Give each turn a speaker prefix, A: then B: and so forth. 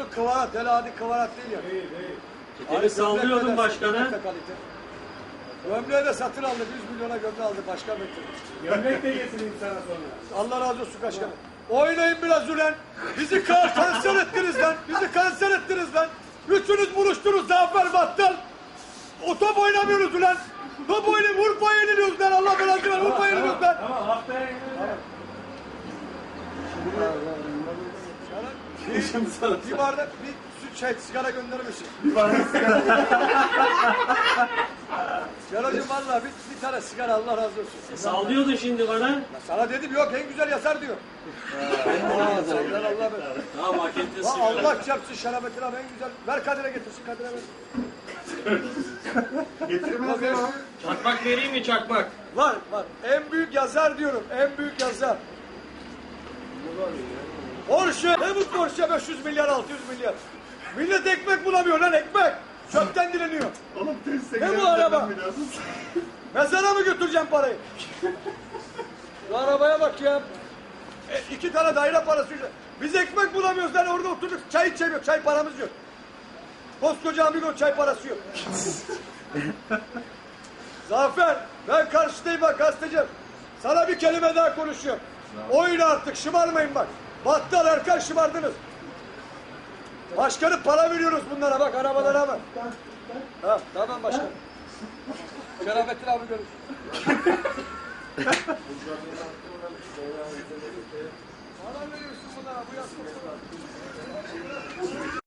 A: kıvarat, hele hadi kıvarat değil ya.
B: Teli sallıyordun başkanı.
A: Gömleği de satın aldı, 100 milyona gömleği aldı başkan bekliyor.
C: Gömlek de getireyim sana sonra.
A: Allah razı olsun başkanım. Oynayın biraz ulan. Bizi kanser ettiniz lan. Bizi kanser ettiniz lan. Üçünüz buluştunuz Zafer Battal. O top oynamıyoruz ulan. Top oynayıp Urfa'ya yeniliyoruz lan. Allah belanı ver. Urfa'ya yeniliyoruz lan.
C: Tamam haftaya yenileceğim.
A: Bir bardak bir sigara gönderir misin?
C: Bir bardak sigara.
A: Sigaracığım valla bir tane sigara Allah razı olsun.
B: Sallıyordun şimdi bana.
A: Ya sana dedim yok en güzel yazar diyor. Senden Allah ver.
B: Tamam hak ettin sigara.
A: Allah çarpsın şerafetine abi en güzel. Ver Kadir'e getirsin Kadir'e ver.
C: Getirmez ya.
B: Çakmak vereyim mi çakmak?
A: Var. En büyük yazar diyorum. En büyük yazar. Porsche. Ne bu Porsche 500 milyar 600 milyar. Millet ekmek bulamıyor lan ekmek. Çöpten dileniyor.
C: Oğlum test
A: Ne bu araba? Mezara mı götüreceğim parayı? Şu arabaya bak ya. 2 tane daire parası. Biz ekmek bulamıyoruz lan orada oturduk çay içemiyoruz. Çay paramız yok. Koskoca amigo çay parası yok. Zafer ben karşıdayım bak gazeteci. Sana bir kelime daha konuşuyorum. Oyun artık şımarmayın bak. Battal Erkan şımardınız. Başkanım para veriyoruz bunlara bak arabalara bak. Ha, tamam başkanım. Şerafettin abi görürsün. Para veriyorsun bunlara bu yastıklara.